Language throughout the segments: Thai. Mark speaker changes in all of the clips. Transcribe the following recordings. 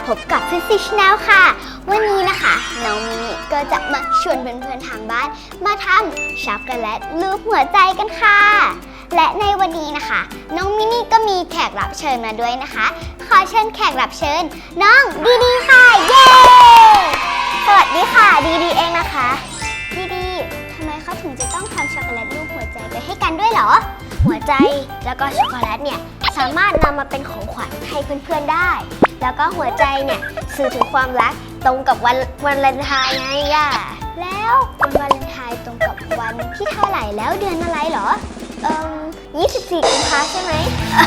Speaker 1: บกับฟิสิกส์แนลค่ะวันนี้นะคะน้องมินิก็จะมาชวนเพื่อนๆทางบ้านมาทำช็อกโกแลตรูปหัวใจกันค่ะและในวันนี้นะคะน้องมินิก็มีแขกรับเชิญมาด้วยนะคะขอเชิญแขกรับเชิญน้องดีดีค่ะเย้สวัสดีค่ะดีดีเองนะคะดีดีทำไมเขาถึงจะต้องทำช็อกโกแลตรูปหัวใจไปให้กันด้วยเหรอหัวใจแล้วก็ช็อกโกแลตเนี่ยสามารถนำมาเป็นของขวัญให้เพื่อนๆได้แล้วก็หัวใจเนี่ยสื่อถึงความรักตรงกับวันวาเลนไทน์ไงย่าแล้ววันวาเลนไทน์ตรงกับวันที่เท่าไหร่แล้วเดือนอะไรเหรอ24 กุมภาใช่ไหม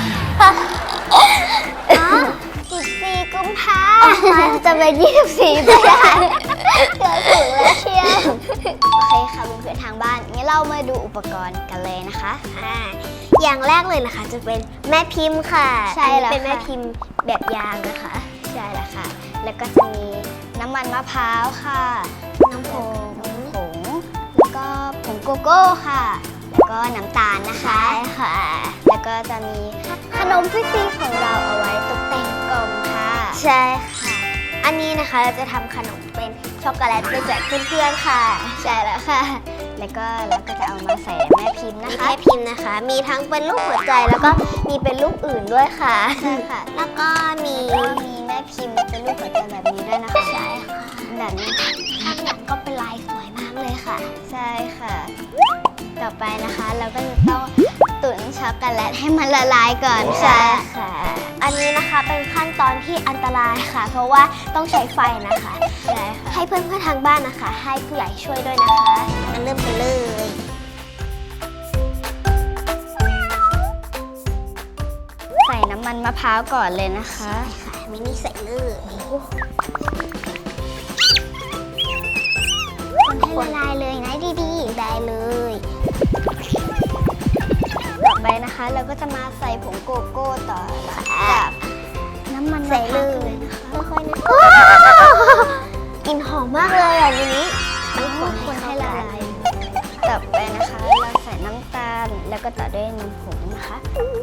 Speaker 1: 14 กุมภาจะเป็น24ได้เกือบถูกแล้วเชียวโอเคค่ะเพื่อนๆทางบ้านงั้นเรามาดูอุปกรณ์กันเลยนะคะอย่างแรกเลยนะคะจะเป็นแม่พิมพ์ค่ะใช่แล้วเป็นแม่พิมพ์แบบยางนะคะใช่แล้วค่ะแล้วก็จะมีน้ำมันมะพร้าวค่ะน้ำผงแล้วก็ผงโกโก้ค่ะแล้วก็น้ำตาลนะคะใช่ค่ะแล้วก็จะมีขนมฟิสซี่ของเราเอาไว้ตกแต่งกล่องค่ะใช่ค่ะอันนี้นะคะเราจะทำขนมเป็นช็อกโกแลตไปแจกเพื่อนๆค่ะใช่แล้วค่ะแล้วก็เราก็จะเอามาใส่แม่พิมพ์นะคะแม่พิมพ์นะคะมีทั้งเป็นรูปหัวใจแล้วก็มีเป็นรูปอื่นด้วยค่ะใช่ค่ะแล้วก็มีแม่พิมพ์เป็นรูปหัวใจแบบนี้ด้วยนะคะใช่ค่ะแบบนี้ข้างหลังก็เป็นลายสวยมากเลยค่ะใช่ค่ะต่อไปนะคะเราก็จะต้องตุ๋นช็อกโกแลตให้มันละลายก่อนค่ะอันนี้นะคะเป็นขั้นตอนที่อันตรายค่ะเพราะว่าต้องใช้ไฟนะคะใช่ค่ะให้เพื่อนๆทางบ้านนะคะให้ผู้ใหญ่ช่วยด้วยนะคะงั้นเริ่มไปเลยใส่น้ำมันมะพร้าวก่อนเลยนะคะใช่ค่ะมินิใส่เลยคนให้ละลายเลยนะดีๆได้เลยต่อไปนะคะเราก็จะมาใส่ผงโกโก้ต่อกับน้ำมันใส่เลยนะคะค่อยๆนะกลิ่นหอมมากเลยอ่ะมินิต้องคนให้ละลายต่อไปนะคะเราใส่น้ำตาลแล้วก็ต่อด้วยนมผงนะคะ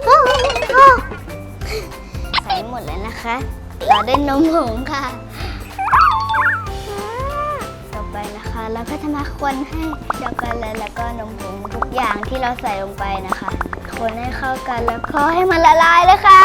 Speaker 1: ใส่หมดเลยนะคะต่อด้วยนมผงค่ะไปนะคะแล้วก็จะมาคนให้ช็อกโกแลตแล้วก็นมผงทุกอย่างที่เราใส่ลงไปนะคะคนให้เข้ากันแล้วก็ให้มันละลายเลยค่ะ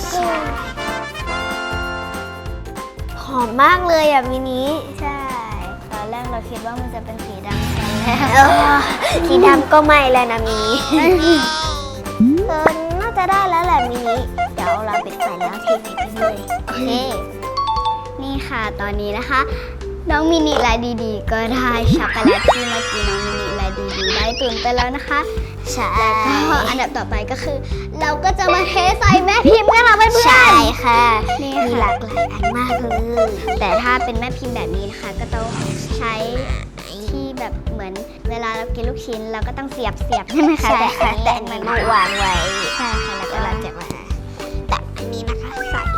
Speaker 1: หอมมากเลยอ่ะมินิใช่ตอนแรกเราคิดว่ามันจะเป็นสีดำใช่แล้วสีดำก็ไม่แล้วนะมินิน่าจะได้แล้วแหละมินิเดี๋ยวเราปิดไฟแล้วเทใส่ไปเลยโอเคนี่ค่ะตอนนี้นะคะน้องมินิและดีๆก็ได้ช็อกโกแลตที่เมื่อกี้น้องมินิและดีๆได้ตุ๋นไปแล้วนะคะใช่แล้วก็อันดับต่อไปก็คือเราก็จะมาเทใส่แม่พิมพ์กันค่ะเพื่อนๆใช่ค่ะมีหลากหลายอันมากเลยแต่ถ้าเป็นแม่พิมพ์แบบนี้นะคะก็ต้องใช้ที่แบบเหมือนเวลาเรากินลูกชิ้นเราก็ต้องเสียบใช่ไหมคะใช่ค่ะแต่อันนี้มันวางไว้ใช่ค่ะแล้วก็เราจะมาตักอันนี้นะคะใส่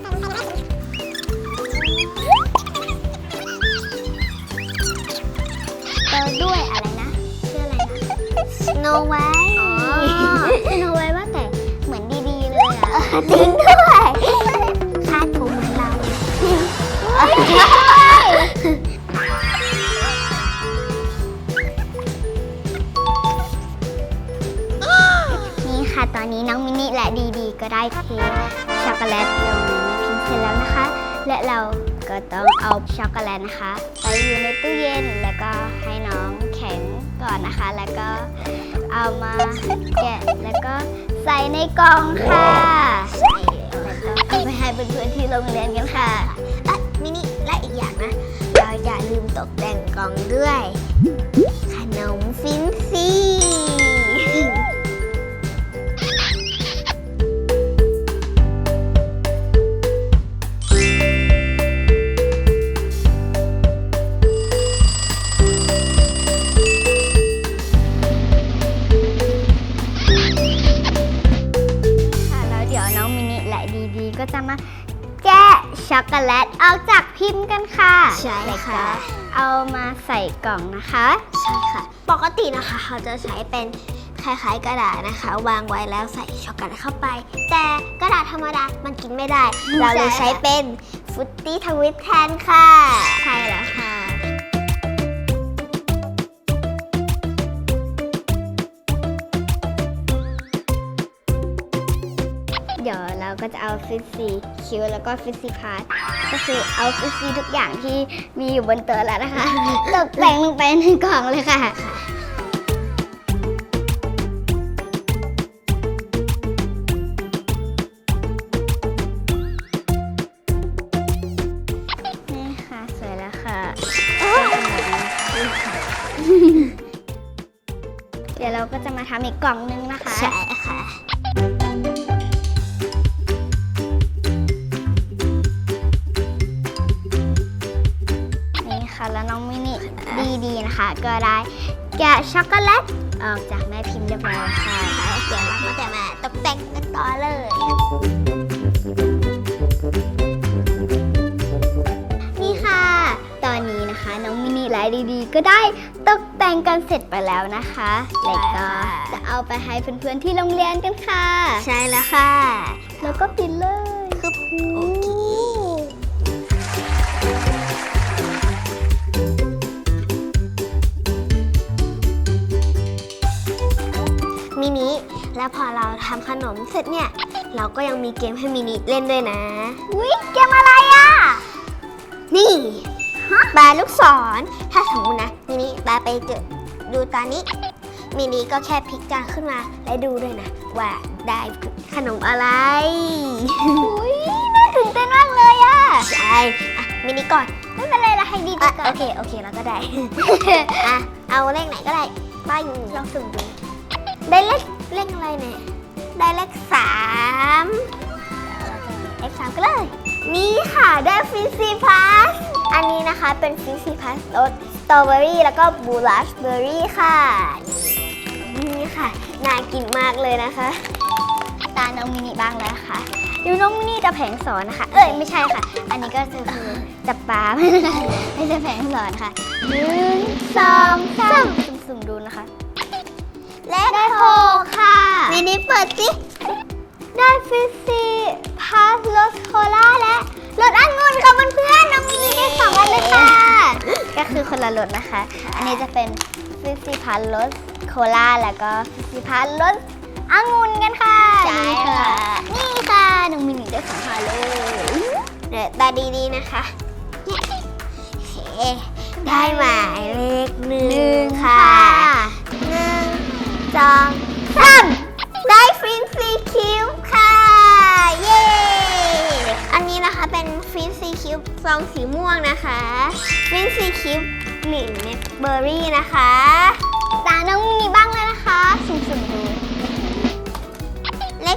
Speaker 1: ด้วยอะไรนะชื่ออะไรนะสโนไวท์สโนไวท์ว่าแต่เหมือนดีๆเลยอ่ะจริงด้วยคาดผมเหมือนเรานี่ค่ะตอนนี้น้องมินิและดีๆก็ได้เทช็อกโกแลตลงในแม่พิมพ์เสร็จแล้วนะคะและเราก็ต้องเอาช็อกโกแลตนะคะไปอยู่ในตู้เย็นแล้วก็ให้น้องแข็งก่อนนะคะแล้วก็เอามาแกะแล้วก็ใส่ในกล่องค่ะใส่แล้วก็เอาไปให้เพื่อนๆที่โรงเรียนกันค่ะมินิและอีกอย่างนะเราอย่าลืมตกแต่งกล่องด้วยขนมฟินซี่ก็จะมาแกะช็อกโกแลตออกจากพิมพ์กันค่ะใช่ค่ะเอามาใส่กล่องนะคะใช่ค่ะปกตินะคะเขาจะใช้เป็น
Speaker 2: คล้ายๆกระดาษนะคะ วางไว้แล้วใส่ช็อกโกแลตเข้าไป แต่กระดาษธรรมดามันกินไม่ได้ เราเลยใช้เป็นฟรุตตี้ทวิตแทนค่ะใช่แล้วค่ะ
Speaker 1: เดี๋ยวเราก็จะเอาฟิซซี่คิวแล้วก็ฟิซซี่พาร์ทก็คือเอาฟิซซี่ทุกอย่างที่มีอยู่บนโต๊ะแล้วนะคะ ตกแต่งลงไปในกล่องเลยค่ะนี่ค่ะสวยแล้วค่ะ เดี๋ยวเราก็จะมาทำอีกกล่องนึงนะคะ
Speaker 2: ใช่ค่ะ
Speaker 1: นี่ค่ะแล้วน้องมินิดีๆนะคะ ก็ได้แกะช็อกโกแลตออกจากแม่พิมพ์เรียบร้อยแล้วค่ะ
Speaker 2: เดี๋ยวเราก็จะมาตกแต่งกันต่อเลย
Speaker 1: นี่ค่ะ ตอนนี้นะคะน้องมินิไลท์ดีๆก็ได้ตกแต่งกันเสร็จไปแล้วนะคะแล้วก็จะเอาไปให้เพื่อนๆที่โรงเรียนกันค่ะ
Speaker 2: ใช่แล้วค่ะ
Speaker 1: แล้วก็ปิดเลย
Speaker 2: คือโอเคมินิแล้วพอเราทำขนมเสร็จเนี่ย เราก็ยังมีเกมให้มินิเล่นด้วยนะ
Speaker 1: อุ๊ยเกมอะไรอ่ะ
Speaker 2: นี่ปลาลูกศร ถ้าสมมตินะมินิปลาไปเจอดูตอนนี้ มินิก็แค่พลิกจานขึ้นมาและดูด้วยนะ ว่าได้ขนมอะไร
Speaker 1: อุ๊ยน่าตื่นเต้นมากเลยอ่ะ
Speaker 2: ใช่อะมินิก่อน
Speaker 1: ไม่เป็นไรละให้ดีๆก่อน
Speaker 2: โอเคแล้วก็ได้ อ่ะ เอาเลขไหนก็ได้ป้ายลองสุ่มดู ได้เลขอะไรเนี่ย ได้เลข3ก็เลย นี่ค่ะ ได้ฟิซซี่พาสอันนี้นะคะเป็นฟิซซี่พาสรสสตรอเบอรี่แล้วก็บลูราสเบอรี่ค่ะ นี่ค่ะ น่ากินมากเลยนะคะ
Speaker 1: ตาน้องมินิบ้างแล้วค่ะดูน้องมินิจะแผงสอนนะคะ ไม่ใช่ค่ะ อันนี้ก็คือจับปลา ไม่ใช่แผงสอนค่ะ1 2 3สุ่มๆดูนะคะ
Speaker 2: เลข
Speaker 1: ได้6ค่ะ
Speaker 2: มินิเปิดสิ
Speaker 1: ได้ฟิซซี่พาสรสโคลาและรสองุ่นค่ะเพื่อนๆน้องมินิได้2อันเลยค่ะ ก็คือคนละรสนะคะ อันนี้จะเป็นฟิซซี่พาสรสโคลาแล้วก็ฟิซซี่พาสรสองุ่นกันค่ะ
Speaker 2: ใช่ค่ะ
Speaker 1: นี่ค่ะน้องมินิได้2อันเลย
Speaker 2: เดี๋ยวตาดีๆนะคะโอเคได้หมายเลข1ค่ะ1 2 3ได้ฟินซีคิวค่ะ เย้ อันนี้นะคะเป็นฟินซีคิวซองสีม่วงนะคะฟินซีคิวกลิ่นเนสเบอร์รี่นะคะ
Speaker 1: ตาน้องมินิบ้างเลยนะคะสุ่มๆดู
Speaker 2: เลข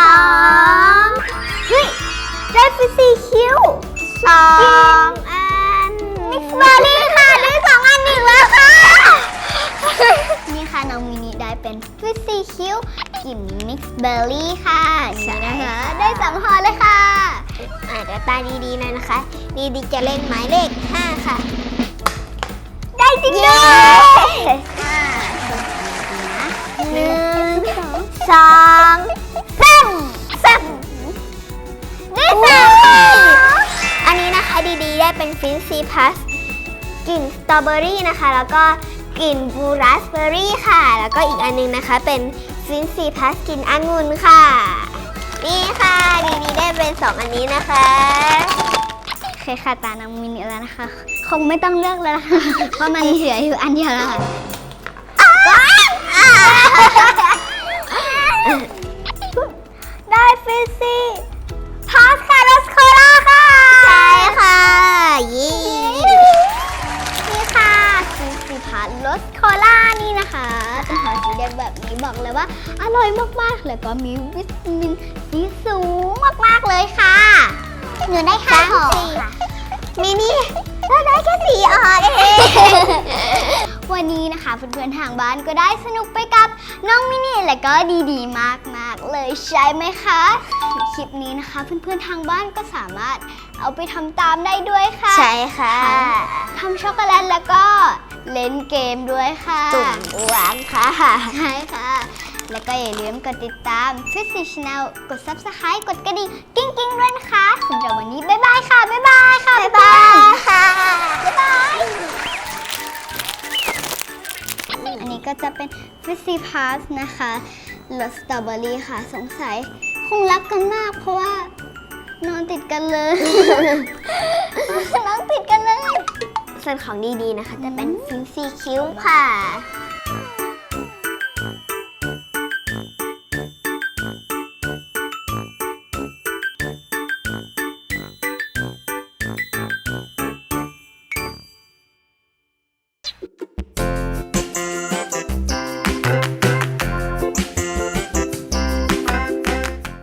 Speaker 2: 2
Speaker 1: เฮ้ยได้ฟิซซี่คิว
Speaker 2: 2 อัน
Speaker 1: มิกซ์เบอร์รี่ค่ะได้2 อันอีกแล้วค่ะ นี่ค่ะน้องมินิได้เป็นฟิซซี่คิวกลิ่นมิกซ์เบอร์รี่ค่ะนี่นะคะได้2 ห่อเลยค่ะ
Speaker 2: เดี๋ยวตาดีๆหน่อยนะคะดีๆจะเล่นหมายเลข5ค่ะ
Speaker 1: ได้จริงด้วย
Speaker 2: 1 2 3
Speaker 1: ได้3 ค่ะ
Speaker 2: อันนี้นะคะดีๆได้เป็นฟินซีพัสกลิ่นสตรอเบอรี่นะคะ แล้วก็กลิ่นบลูราสเบอรี่ค่ะ แล้วก็อีกอันนึงนะคะเป็นฟินซีพัสกลิ่นองุ่นค่ะ นี่ค่ะดีๆได้เป็น2 อันนี้นะคะ
Speaker 1: โอเคค่ะตาน้องมินิแล้วนะคะ คงไม่ต้องเลือกแล้วนะคะ เพราะมันเหลืออยู่อันเดียวแล้วค่ะ ได้ฟิซซี่พาสคาร์ลสโคลาค่ะ
Speaker 2: ใช่ค่ะยี่
Speaker 1: นี่ค่ะฟิซซี่พาสรสโคลานี่นะคะเป็นหอสีแดงแบบนี้บอกเลยว่าอร่อยมากๆแล้วก็มีวิตามินซีสูงมากๆเลยค่ะหนูได้5 ห่อค่ะ
Speaker 2: มินิเราได้แค่4 อันเอง
Speaker 1: วันนี้นะคะเพื่อนๆทางบ้านก็ได้สนุกไปกับน้องมินิและก็ดีๆมากๆเลยใช่ไหมคะคลิปนี้นะคะเพื่อนๆทางบ้านก็สามารถเอาไปทำตามได้ด้วยค่ะ
Speaker 2: ใช่ค่ะ
Speaker 1: ทำช็อกโกแลตแล้วก็เล่นเกมด้วยค่ะ
Speaker 2: จุ่มหวานค่ะ
Speaker 1: ใช่ค่ะแล้วก็อย่าลืมกดติดตาม Twisty Channel กด Subscribe กดกระดิ่งกิ้งกิ้งด้วยนะคะสำหรับวันนี้บ๊ายบายค่ะ บ๊ายบายค่ะ
Speaker 2: บ๊ายบายค่ะ
Speaker 1: บ๊ายบาย อันนี้ก็จะเป็น Twisty Pass นะคะรสสตรอเบอรี่ค่ะ สงสัยคงรักกันมากเพราะว่านอนติดกันเลย นอนติดกันเลย
Speaker 2: ส่วนของดีๆนะคะจะเป็นฟินซี่คิ้วค่ะ